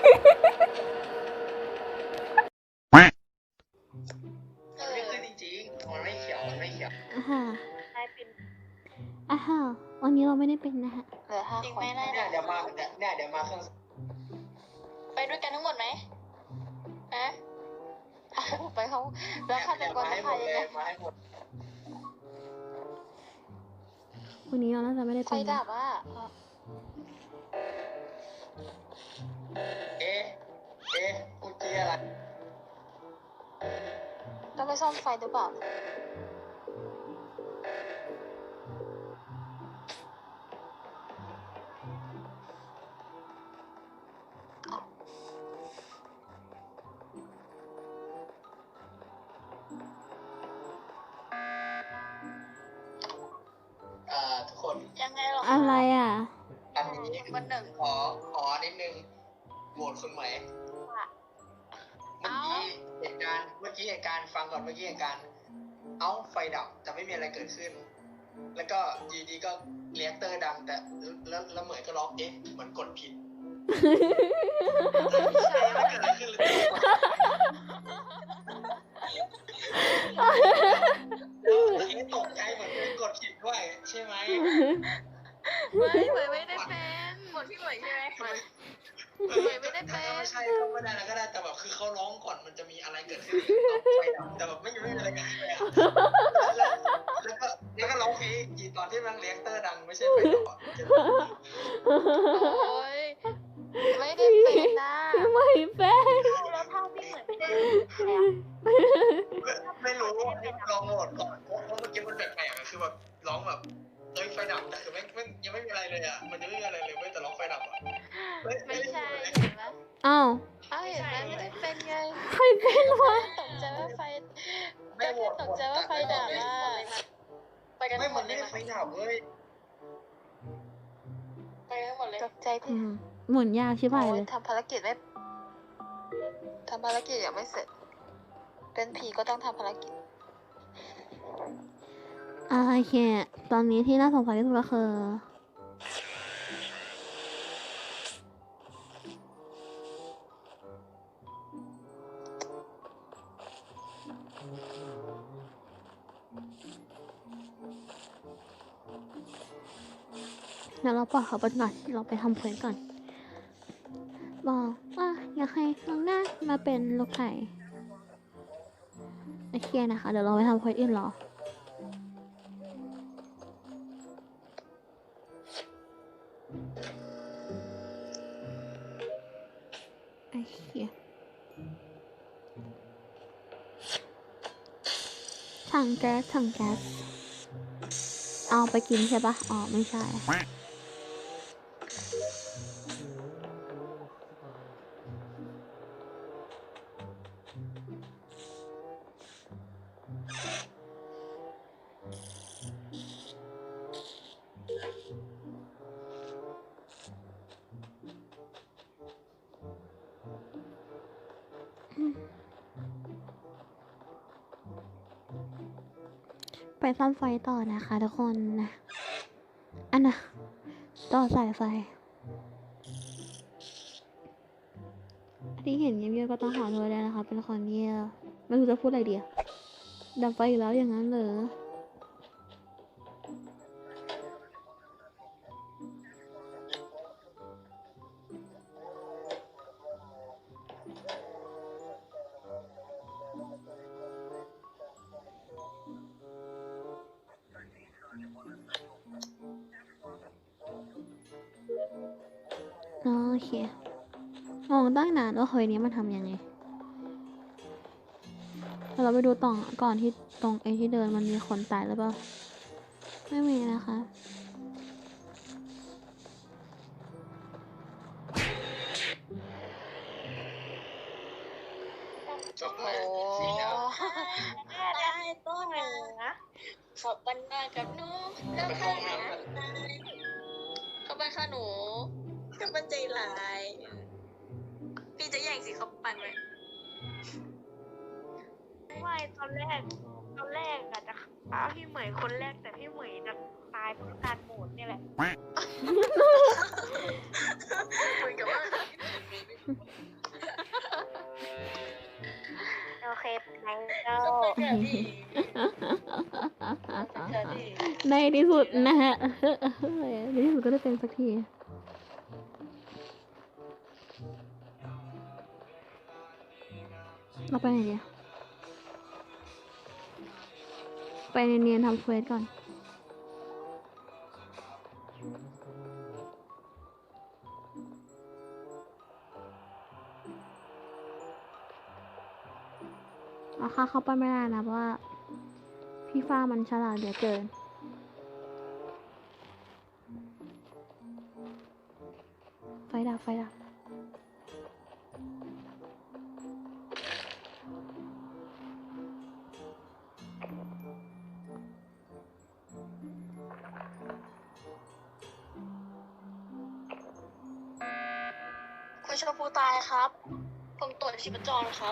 ไม่ขึ้นจริงๆมันไม่เขียวมันไม่เขียวค่ะได้เป็นวันนี้เราไม่ได้เป็นนะฮะเหลือ5 จริงคนไหมล่ะเนี่ยเดี๋ยวมาเครื่องไปด้วยกันทั้งหมดไหมฮะไปเขาแล้วฆาตกรให้จะหมพาดยังเลไงยมาให้หมดวันนี้เราน่าจะไม่ได้ไฟเป็นดันะบอ่ะเอ๊ะกูเจียอะไรต้องไปซ่อมไฟหรือเปล่าทุกคนยังไงหรออะไรอ่ะอันนี้วันหนึ่งขอนิดนึงโหวตคุณไหมเมื่อกี้เหตุการณ์ฟังก่อนเมื่อกี้เหตุการณ์ไฟดับแต่ไม่มีอะไรเกิดขึ้น แล้วก็ดีก็เรียกเตอร์ดังแต่แล้วเหมือนก็ร้องเหมือนกดผิดไม่ใช่ไม่เกิดอะไรขึ้นเลยตกใจเหมือนเป็นกดผิดด้วยใช่ไหมไม่ได้เป็นหมดพี่เหมยใช่ไหมเหมยไม่ได้เป็นไม่ใช่ก็ไม่ได้แล้วก็ได้แต่แบบคือเขาร้องก่อนมันจะมีอะไรเกิดขึ้นไฟดับแต่แบบไม่มีอะไรเกิดขึ้นเลยแล้วก็ร้องเพลงอีตอนที่มันเรียกเตอร์ดังไม่ใช่ไฟดับอ่ะโอ้ยไม่ได้เป็นนะไม่เป็นแล้วถ้าพี่เหมยไม่ได้ไม่รู้ลองโหมดก่อนเพราะเมื่อกี้มันแปลกๆอะคือแบบร้องแบบไฟดับแต่คือไม่ยังไม่มีอะไรเลยอ่ะมันยังไม่มีอะไรเลยเว้ยแต่ร้องไฟดับอ่ะไม่ใช่เห็นไหมอ้าวเห็นไหมไม่ได้เป็นไงใครเป็นวะตกใจว่าไฟไม่โหวตตกใจว่าไฟดับอ่ะไปกันไม่ทั้งหมมัดนเลไม่ยได้ไฟดับเว้ยไปกันทั้งหมดเลยตกใจที่หมุนยากชิบหายโอ้เลย ยทำภารกิจยังไม่เสร็จ เป็นผีก็ต้องทำภารกิจโอเค ตอนนี้ที่น่าสงสัยที่สุดก็คือเดี๋ยวเราปล่อยเขาไปก่อนเราไปทำเควสก่อน บอกว่าอยากให้น้องหน้ามาเป็นลูกไก่โอเคนะคะ เดี๋ยวเราไปทำเควสอื่นรอโอเคถังแก๊สเอาไปกินใช่ปะอ๋อไม่ใช่ ไปซ่อมไฟต่อนะคะทุกคนนะอันน่ะต่อสายไฟที่เห็นเงียบๆก็ต้องขอโทษด้วยนะคะเป็นคนเงียบไม่รู้จะพูดอะไรดีอะดับไฟอีกแล้วอย่างนั้นเหรอโอเคมองตั้งนานว่าเฮ้ยนี้มันทำยังไงเราไปดูต่อก่อนที่ตรงไอ้ที่เดินมันมีคนตายหรือเปล่าไม่มีนะคะจบโอ้ได้ตัวหนึ่งนะขอบบันดากับหนูแล้วก็เขาบันค่ะหนูเขาบันใจร้ายพี่จะแย่งสิเขาปันไหมไม่ตอนแรกอะจะฆ่าพี่เหมยคนแรกแต่พี่เหมยจะตายเพราะการโหมดนี่แหละเหมือนกับว่าโอเคไปแล้วก็ไปเถอะดิไปเถอะดิในที่สุดนะฮะในที่สุดก็ได้เป็นสักที เราไปไหนดีไปเนียนๆทำเควสก่อน เอาค่าเข้าไปไม่ได้นะเพราะว่าพี่ฟ้ามันฉลาดเหลือเกิน ไฟดับไฟดับคุณชมพูตายครับ ผมตรวจชีพจรครับ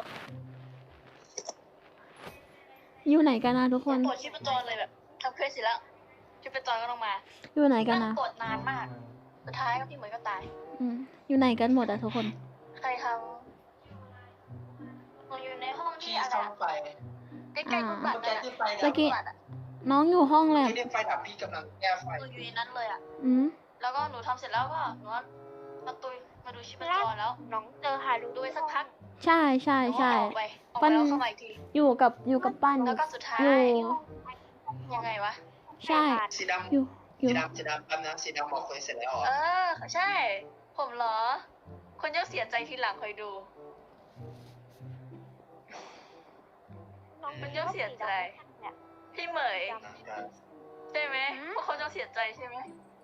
อยู่ไหนกันนะทุกคนตรวจชีพจรเลยแบบทำเควสเสร็จแล้วชีพจรก็ลงมาอยู่ไหนกันนั่นะงตรวจนานมาก สุดท้ายก็พี่เหมยก็ตายอยู่ไหนกันหมดอะทุกคนใครทำหนูอยู่ในห้องที่พี่อะไรซ่อมไฟใกล้ๆกุบัตเมื่อเลยกี้อะที่ไฟตะดับกี้ น้องอยู่ห้องแลบไม่ได้ไฟดับพี่กำลังแก้ไฟหนูอยู่ในนั้นเลยอะอืมแล้วก็หนูทำเสร็จแล้วก็หนูมาดูชีพจรแล้วน้องเจอฮารุดูไปสักพักใช่ใช่หนูก็ใช่ออกไปแล้วเข้ามาอีกทีอยู่กับปั้นแล้วก็สุดท้ายอยู่ยังไงวะใช่สีดำอยู่สีดำแป๊บนะสีดำบอกเคยเสร็จแล้วเหรอเออ ใช่ ผมเหรอ คนจะเสียใจทีหลังคอยดูน้องมันย่อมเสียใจเนี่ยพี่เหมย ใช่ไหมพวกเขาจะเสียใจใช่ไหม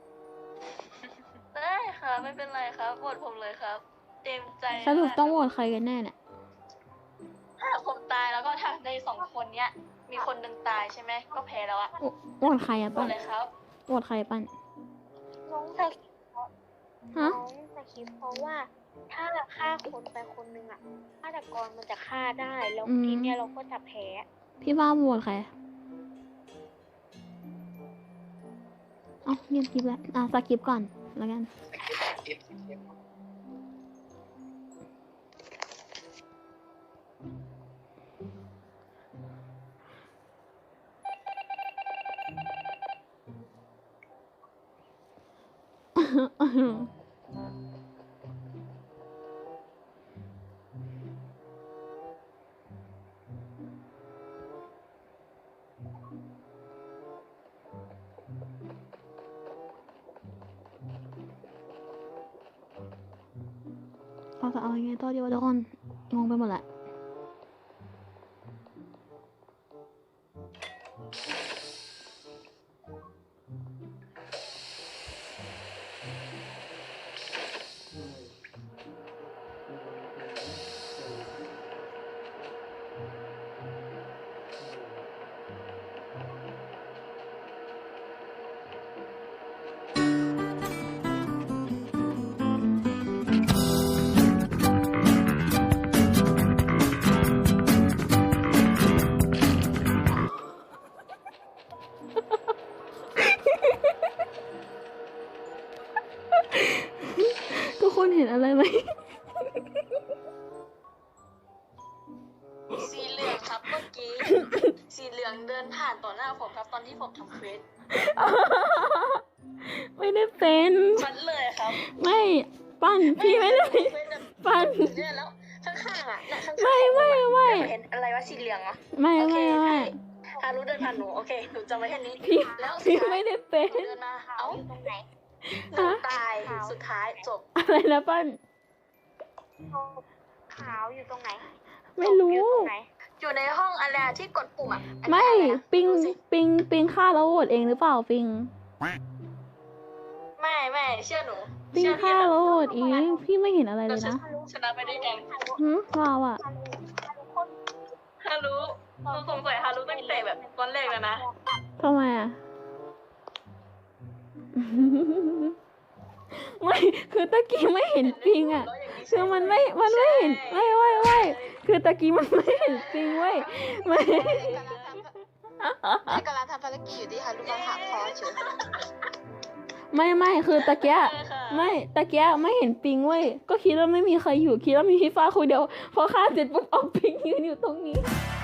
ได้ค่ะ ไม่เป็นไรครับโหวตผมเลยครับ เต็มใจสรุปต้องโหวตใครกันแน่เนี่ยถ้าผมตายแล้วก็ถ้าในสองคนเนี้ย มีคนหนึ่งตายใช่ไหมก็แพ้แล้วอะโหวตใครอะโหวปั้ตนเลยครับโหวตใครปั้นน้องสกิปฮะน้องสกิปเพราะว่าถ้าฆ่าคนไปคนนึงอ่ะฆาตกรมันจะฆ่าได้แล้วทีเนี้ยเราก็จะแพ้พี่ว่าโหวตใครเอ้าเงียบคลิปแล้วสกิปก่อนแล้วกันสกิปเราจะเอายังไงต่อดีวะทุกคนงงไปหมดแหละทุกคนเห็นอะไรไหมสีเหลืองครับเมื่อกี้ สีเหลืองเดินผ่านต่อหน้าผมครับตอนที่ผมทำเควสไม่ได้เป็นชัดเลยครับไม่ปั้นพี่ไม่ได้เป็นเควสแบบปั้นเนี่ยแล้วข้างๆอ่ะเนี่ยข้างๆไม่เห็นอะไรวะสีเหลืองเหรอไม่โอเคไม่ฮารุเดินผ่านหนูโอเคหนูจำไว้แค่นี้พี่แล้วสุดพี่ท้ายไม่ได้เป็นหนูเดินมาขาวเอ้าอยู่ตรงไหนหนูตายสุดท้ายจบอะไรนะปั้นขาวอยู่ตรงไหนไม่รู้อยู่ตรงไหนอยู่ในห้องอะไรที่กดปุ่มอ่ะอันนี้ไม่อะไรนะปิงดูสิปิงฆ่าแล้วโหวตเองหรือเปล่าปิงไม่เชื่อหนูปิงเชื่อพี่ฆ่านะแล้วโหวตเองพี่ไม่เห็นอะไรเลเรายจะนะชนะไปด้วยกันเราอะฮารุเราสงสัยฮารุตั้งแต่แบบตอนแรกแล้วนะทำไมอะ ไม่คือตะกี้ไม่เห็นปิงอะคือมันไม่เห็นไม่คือตะกี้มันไม่เห็นปิงเว้ยไม่กำลังทำภารกิจอยู่ที่ฮารุมาถามคอเฉยไม่คือตะกี้ค่ะไม่ตะเกียไม่เห็นปิงเว้ยก็คิดว่าไม่มีใครอยู่คิดว่ามีพี่ฟ้าคนเดียวพอฆ่าเสร็จปุ๊บเอาปิงยืนอยู่ตรงนี้